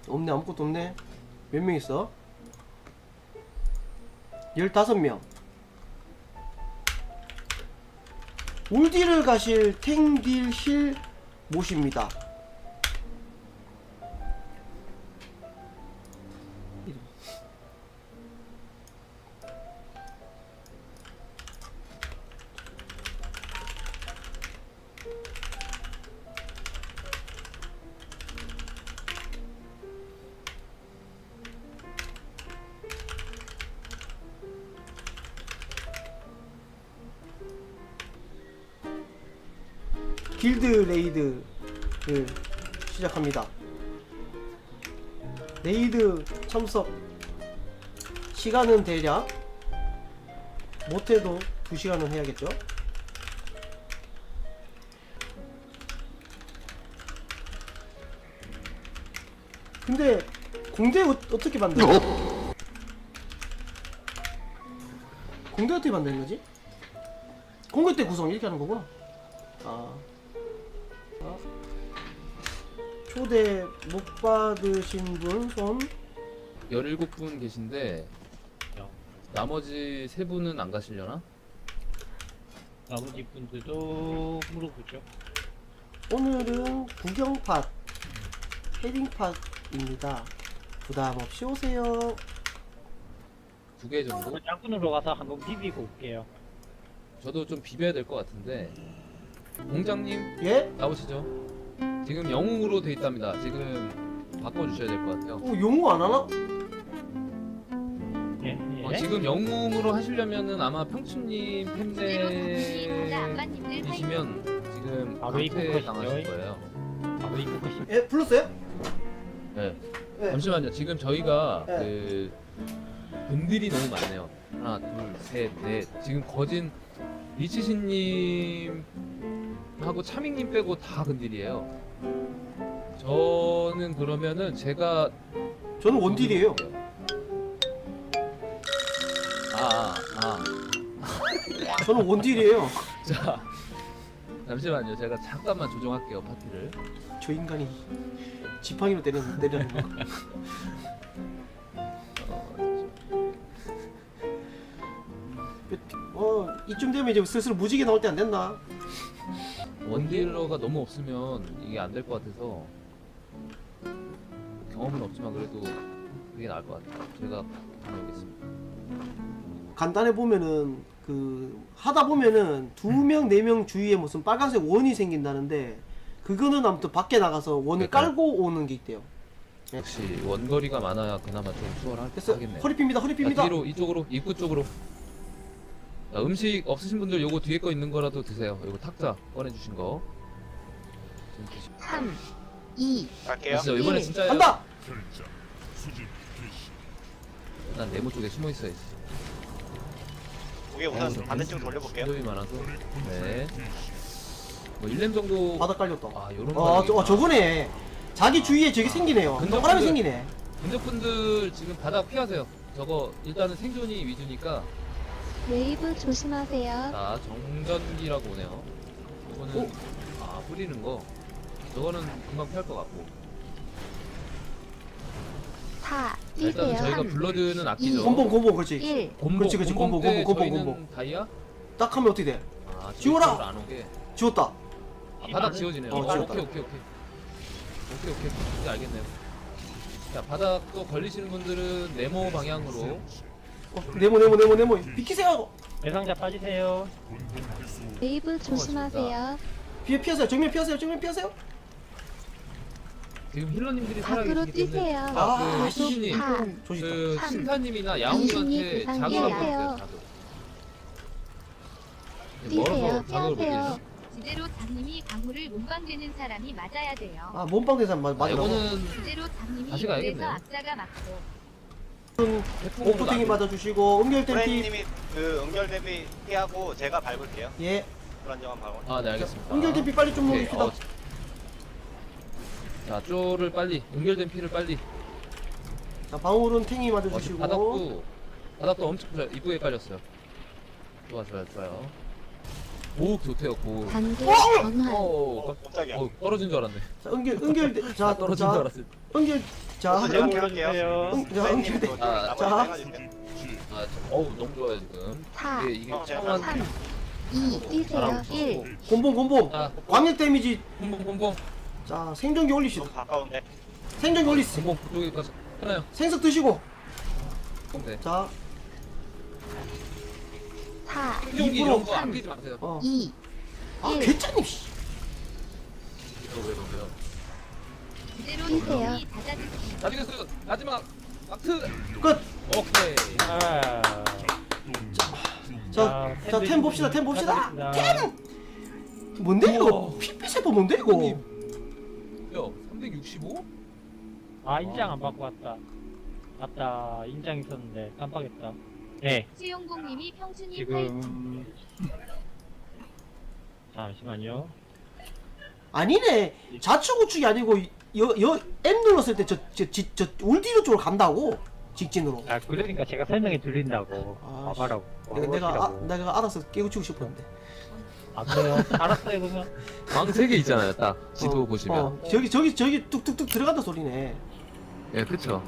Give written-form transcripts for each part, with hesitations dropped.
없네. 아무것도 없네. 몇 명 있어? 15명. 올딜을 가실 탱딜 힐 모십니다. 길드 레이드를 시작합니다. 레이드 참석 시간은 대략 못해도 2시간은 해야겠죠? 근데 공대 어떻게 만들어? 공대 어떻게 만드는 거지? 공대 때 구성 이렇게 하는 거구나. 초대 못 받으신 분 손? 17분 계신데 나머지 3분은 안 가시려나? 나머지 분들도 물어보죠. 오늘은 구경팟 헤딩팟입니다. 부담 없이 오세요. 2개 정도? 짝분으로 가서 한번 비비고 올게요. 저도 좀 비벼야 될 것 같은데 공장님 예? 나오시죠. 지금 영웅으로 돼 있답니다. 지금 바꿔주셔야 될 것 같아요. 용어 안 하나? 예? 예? 지금 영웅으로 하시려면은 아마 평춘님 팬데이시면 지금 바로 강퇴 입국 당하실 것이죠. 거예요. 바로 입고 가시. 예? 불렀어요? 네. 예. 잠시만요. 지금 저희가 네. 그 분들이 너무 많네요. 하나, 둘, 셋, 넷. 지금 거진 리치신님하고 차밍님 빼고 다 근딜이에요. 저는 그러면은 제가 저는 원딜이에요. 저는 원딜이에요. 자, 잠시만요. 제가 잠깐만 조정할게요, 파티를. 저 인간이 지팡이로 때리는 거. 이쯤 되면 이제 슬슬 무지개 나올 때 안 됐나? 원딜러가 너무 없으면 이게 안 될 것 같아서 경험은 없지만 그래도 그게 나을 것 같아요. 제가 다녀오겠습니다. 간단해 보면은 하다 보면은 2명 4명 주위에 무슨 빨간색 원이 생긴다는데 그거는 아무튼 밖에 나가서 원을 그러니까요. 깔고 오는 게 있대요. 역시 원거리가 많아야 그나마 좀 됐어. 수월하겠네요. 허리 핍니다. 허리 핍니다. 뒤로 이쪽으로 입구 쪽으로. 자, 음식 없으신 분들 요거 뒤에 거 있는 거라도 드세요. 요거 탁자 꺼내주신 거. 좀 드시고. 3, 2, 갈게요. 진짜 이번에 진짜 간다. 난 네모 쪽에 숨어 있어야지. 고개 우선 반대쪽 돌려볼게요. 힘이 많아서. 네. 뭐 1렘 정도. 바닥 깔렸다. 아 요런 저거네. 자기 주위에 저기 생기네요. 근접분들- 사람이 생기네. 근접분들 지금 바닥 피하세요. 저거 일단은 생존이 위주니까. 웨이브 조심하세요. 자 정전기라고 오네요. 이거는 뿌리는 거. 저거는 금방 피할 것 같고. 4, 일단 뛰세요. 저희가 3, 블러드는 아끼죠. 곰봉 그렇지. 1. 그렇지, 그렇지. 곰보, 때 곰보, 저희는 곰보. 다이아? 딱 하면 어떻게 돼? 아, 지워라! 지워라! 안 오게. 지웠다. 아, 바닥 지워지네요. 지웠다. 오케이. 이제 알겠네요. 자, 바닥 또 걸리시는 분들은 네모 방향으로. 네모. 비키세요. 대상자 빠지세요. 웨이브 조심하세요. 피하세요. 정면 피하세요. 지금 힐러님들이 밖으로 살아계시기 때문에. 뛰세요. 아, 시신님. 조심다. 그 삼, 신타님이나 이신이 야옹님한테 대상 자극을 한번 피하세요. 주세요. 뛰세요. 멀어서 자극을 못 피하세요. 내죠. 지대로 장님이 강호를 몸빵되는 사람이 맞아야 돼요. 몸빵 대상 맞아. 이거는 지대로 장님이 다시 그래서 가야겠네요. 악자가 맞고 오프팅이 맞아주시고 음결 댐피. 프레임님이 그 응결 대비 피하고 제가 밟을게요. 예. 불안정한 방어. 아, 네, 알겠습니다. 음결 댐피 빨리 좀 오케이, 먹읍시다. 자, 쪼를 빨리, 연결된 피를 빨리. 자, 방울은 탱이 지금 맞아주시고. 바닥도 엄청 이쁘게 깔렸어요. 좋아요. 오 좋대요. 고. 단계 전환. 깜짝이야. 떨어진 줄 알았네. 자, 은결 자, 떨어진 줄 자, 알았어. 은결 자, 제가 은결 올려주세요. 자, 은결 아, 자. 너무 좋아요 지금. 4, 이게 제가 처음 3, 2, 뛰세요. 1. 곰봉 자, 광역 데미지. bom봉 자, 생존기 올리시오. 너무 가까운데. 생존기 올리시. bom봉 그쪽에까지 하나요. 생석 드시고. 네. 자, 4, 생존기 이런 거 아끼지 마세요. 2, 아, 1. 개짜님 씨. 왜요? 그대로 뛰세요. 이 닫아주기. 나비가스 마지막 마트. 끝. 오케이. 아. 자, 자, 템 봅시다. 템 봅시다. 템. 뭔데 이거? 우와. 피피세포 뭔데 이거? 야 365? 아 인장 안 받고 왔다. 맞다. 인장 있었는데 깜빡했다. 네. 수용공님이 평준이 지금 잠시만요. 아니네. 좌측 우측이 아니고 여 M 눌렀을 때 저 울디로 쪽으로 간다고. 직진으로. 아 그러니까 제가 설명이 들린다고. 아, 봐봐라고. 내가 알아서 깨우치고 싶었는데. 아 그래요? 알았어요 그러면. 방 3개 있잖아요. 딱 지도 보시면. 저기 뚝뚝뚝 들어간다 소리네. 예, 그쵸.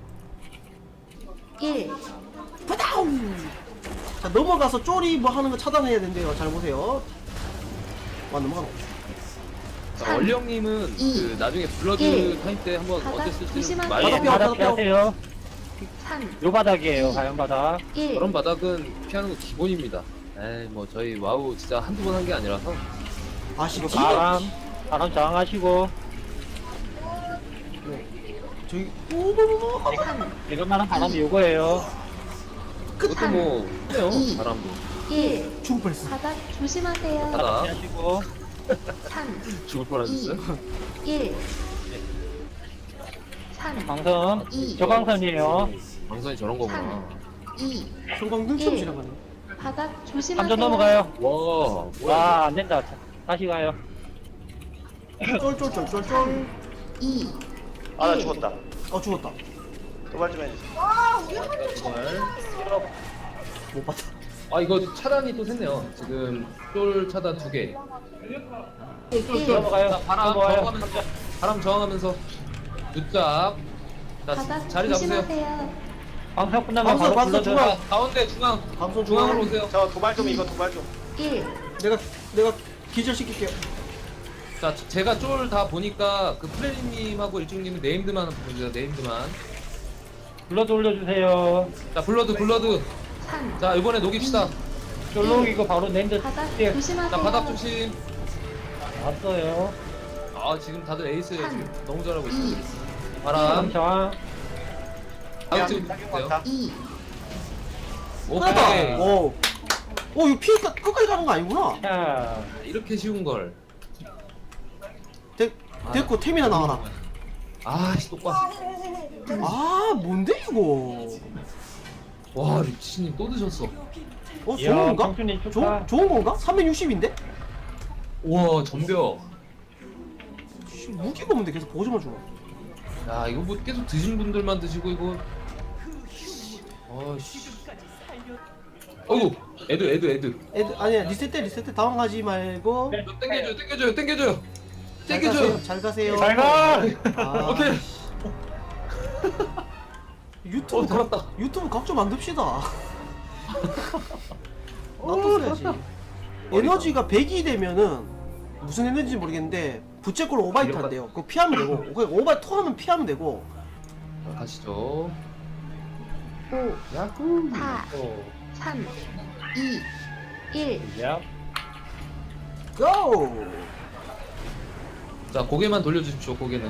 1. 파다움. 자, 넘어가서 쪼리 뭐 하는 거 차단해야 된대요. 잘 보세요. 와, 넘어가노. 자, 원령님은 이, 그 나중에 블러드 일. 타임 때 한번 바닥 어땠을지 조심하세요. 많이 바닥 바닥 바닥 피하세요. 3, 요 바닥이에요. 과연 바닥. 1. 저런 바닥은 피하는 거 기본입니다. 에이 뭐 저희 와우 진짜 한두 번 한 게 아니라서. 아씨, 이거 기가. 바람 저항하시고. 저기 오오오오. 이런 만한 바람이 요거예요. 그것도 뭐 해요. 이. 바람도. 1. 죽을 뻔했어. 바닥 조심하세요. 바닥 피하시고. 3, 죽을 뻔하셨어요? 1. 3, 광선. 이. 저광선이에요. 방선이 저런 거구나. 2. 성광등처럼 일. 지나가네. 바닥 조심하세요. 3점 넘어가요. 와 와, 안 된다. 다시 가요. 쫄쫄쫄쫄쫄. 2. 아, 나 죽었다. 죽었다. 도발 좀 해주세요. 정말. 못 봤다. 아 이거 차단이 또 샜네요. 지금 쫄 차단 2개. 1. 넘어가요. 바람 넘어가요. 저항하면서 바람 저항하면서 늦작. 자 바닥 자리 잡으세요. 조심하세요. 방송 끝나면 방송, 바로 방송 불러줘요. 중앙. 자, 가운데 중앙 방송 중앙으로 중앙. 오세요. 저 도발 좀 이거 도발 좀. 1. 내가 기절시킬게요. 자 제가 쫄 다 보니까 그 플레이님하고 일중님은 네임드만 보세요. 네임드만. 불러드 올려주세요. 자 블러드. 3. 자 이번에 녹입시다. 쫄록 이거 바로 랜드 바닥 뛸. 조심하세요. 자 바닥 조심. 왔어요. 아 지금 다들 에이스예요. 지금 너무 잘하고 2. 있어요. 바람 바람. 저항. 다음 지금 사격 볼게요. 많다. 2. 오케이. 끝났다. 오. 이거 피가 끝까지 가는 거 아니구나. 자, 이렇게 쉬운 걸. 됐고 템이나 나와라. 아씨 똑바. 아, 뭔데 이거? 와 리치님 또 드셨어. 좋은 이야, 건가? 청춘이 축하. 좋은 건가? 360인데? 와 전벽. 무기가 없는데 계속 보조만 주나? 야 이거 뭐 계속 드신 분들만 드시고 이거. 아씨. 어이구 애드. 아니야, 리셋 때 당황하지 말고. 네. 땡겨줘요. 잘 가세요. 잘 가! 아, 오케이. 유튜브 살았다. 유튜브 각 좀 만듭시다. 나도 써야지. 에너지가 100이 되면은 무슨 에너지인지 모르겠는데 부채꼴 오바이트 한대요. 그거 피하면 되고, 그거 오바이트 하면 피하면 되고. 가시죠. 5. 야구. 4. 오, 3. 2. 1. 야, 고! 자 고개만 돌려주십시오. 고개는.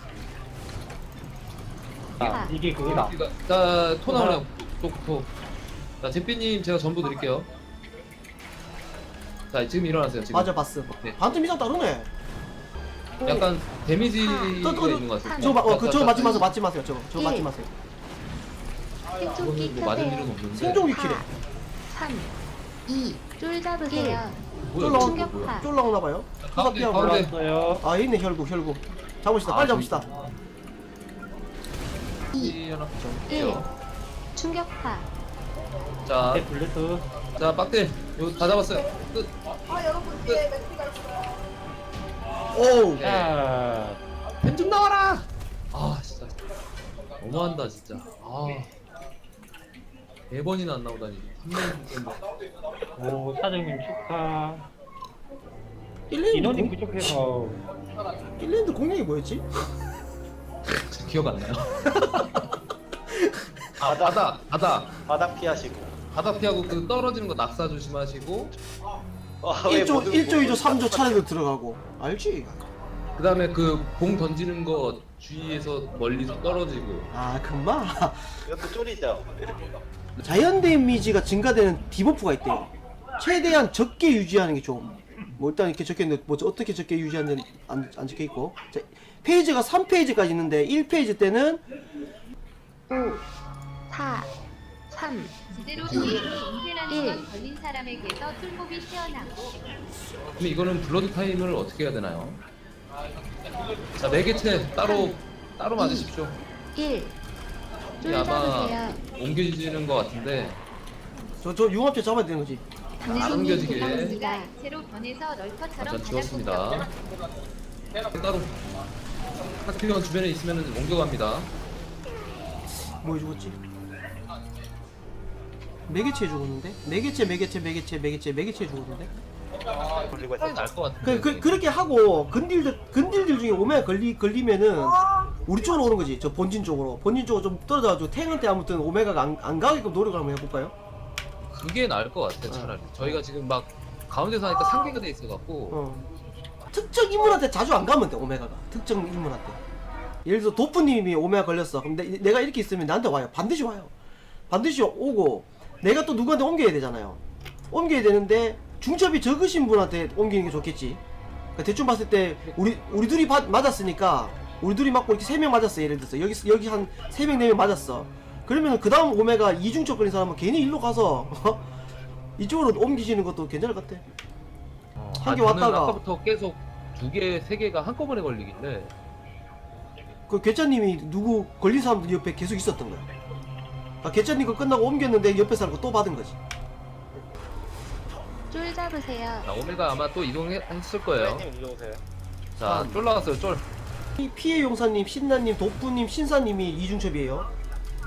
아, 이게 그거다. 자토 나오네요. 토. 자 제삐님 제가 전부 드릴게요. 자 지금 일어나세요. 지금. 맞아, 봤어. 네. 반틈 이상 다르네. 약간 데미지가 또, 있는 것 같아요. 저거 맞지 마세요. 저거 맞지 마세요. 생존기 이거는 뭐 맞을 일은 켜세요. 없는데. 생존기 키래. 3. 2. 쫄 잡으세요. 뭐야, 쫄 이거 나오- 뭐야. 쫄 나오나 봐요. 가운데, 피하고. 가운데. 올라왔어요. 아, 있네, 혈구. 잡읍시다. 빨리 잡읍시다. 2. 하나 1. 좀 충격파. 자, 네, 블루투. 자 빡대 이거 다 잡았어요. 끝. 오. 자, 펜 좀 나와라. 아 진짜 너무한다 진짜. 아 4번이나 안 나오다니. 한 명이 진짜. 오, 사장님 축하. 일랜드 인원이 공, 부족해서. 일랜드 공략이 뭐였지? 기억 안 나요. 아 바닥 피하시고. 바닥 피하고 그 떨어지는 거 낙사 조심하시고. 왜 1조, 모두 1조, 2조, 모두 3조 차례로 들어가고. 알지? 그 다음에 그 공 던지는 거 주위에서 멀리서 떨어지고. 아, 금방. 이것도 쫄이죠. 자연 데미지가 증가되는 디버프가 있대요. 최대한 적게 유지하는 게 좀. 뭐 일단 이렇게 적혀있는데 뭐 어떻게 적게 유지하는지 안 적혀있고. 자, 페이지가 3페이지까지 있는데 1페이지 때는 5, 4, 3, 제대로 게임으로 인쇄라는 건 걸린 사람에게서 툴몹이 튀어나오고 그럼 이거는 블러드 타임을 어떻게 해야 되나요? 자 매개체 따로 맞으십시오. 1. 줄 이게 아마 잡으세요. 옮겨지는 것 같은데. 저 융합체 잡아야 되는 거지. 당신이 옮겨지게. 대상입니다. 채로 변해서 널커처럼 전 지웠습니다. 따로 카트피건 주변에 있으면 옮겨갑니다. 뭐 해주겠지? 매개체 죽었는데? 매개체 죽었는데? 돌리고 차이 했었죠. 날것 같은데. 그렇게 하고 근딜들 중에 오메가 걸리면은 우리 쪽으로 오는 거지. 저 본진 쪽으로 좀 떨어져가지고 탱한테 아무튼 오메가가 안 가게끔 노력을 한번 해볼까요? 그게 나을 것 같아 차라리. 저희가 지금 막 가운데서 하니까 상계가 돼 있어갖고. 특정 인물한테 자주 안 가면 돼. 오메가가 특정 인물한테. 예를 들어 도프님이 오메가 걸렸어. 그럼 내가 이렇게 있으면 나한테 와요. 반드시 와요. 반드시 오고 내가 또 누구한테 옮겨야 되잖아요. 옮겨야 되는데 중첩이 적으신 분한테 옮기는 게 좋겠지. 그러니까 대충 봤을 때 우리 둘이 맞았으니까 우리 둘이 맞고 이렇게 3명 맞았어. 예를 들어서 여기 한 3명 4명 맞았어. 그러면 그 다음 오메가 이중첩 걸린 사람은 괜히 일로 가서 이쪽으로 옮기시는 것도 괜찮을 것 같아. 한 개 저는 왔다가 아까부터 계속 2개, 3개가 한꺼번에 걸리길래. 그 괴짜님이 누구 걸린 사람들 옆에 계속 있었던 거야. 아, 괴짜님 거 끝나고 옮겼는데 옆에 사람 거 또 받은 거지. 줄 잡으세요. 자, 오메가 아마 또 이동했을 거예요. 님 일로 오세요. 자, 쫄 나왔어요, 쫄. 이 피해 용사님, 신나님, 도프님, 신사님이 이중첩이에요.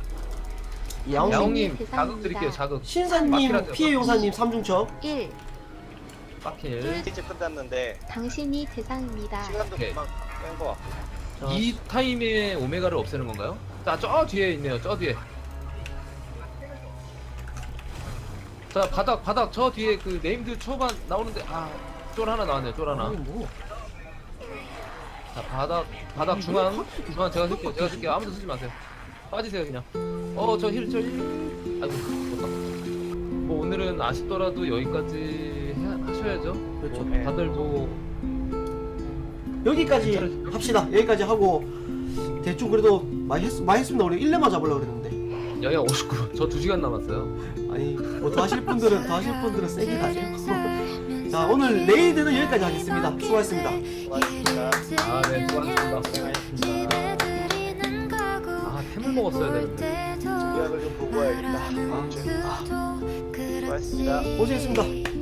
야옹님 대상입니다. 자극 드릴게요, 자극. 신사님, 막히라죠, 피해 용사님 3중첩. 1. 빡힐. 스티치 끝났는데 당신이 대상입니다. 시간도 오케이. 금방 뺀거 같고. 자, 이 타임에 오메가를 없애는 건가요? 자, 저 뒤에 있네요, 저 뒤에. 자, 바닥 저 뒤에 그 네임드 초반 나오는데, 쫄 하나 나왔네요, 쫄 하나. 아니 뭐. 자, 바닥 중앙 제가 쓸게요. 아무도 쓰지 마세요. 빠지세요 그냥. 저 힐. 아이고, 못다. 뭐 오늘은 아쉽더라도 여기까지 하셔야죠. 그렇죠. 뭐 다들 뭐 여기까지 합시다. 여기까지 하고 대충 그래도 많이 했습니다. 우리 1렙만 잡으려고 그랬는데. 여기가 59. 저 2시간 남았어요. 아니 뭐 더 하실 분들은 세게 가세요. 자, 오늘 레이드는 여기까지 하겠습니다. 수고하셨습니다. 고맙습니다. 네, 수고하셨습니다. 템을 먹었어야 되는데. 요약을 좀 보고 와야겠다. 아, 고맙습니다. 고생했습니다.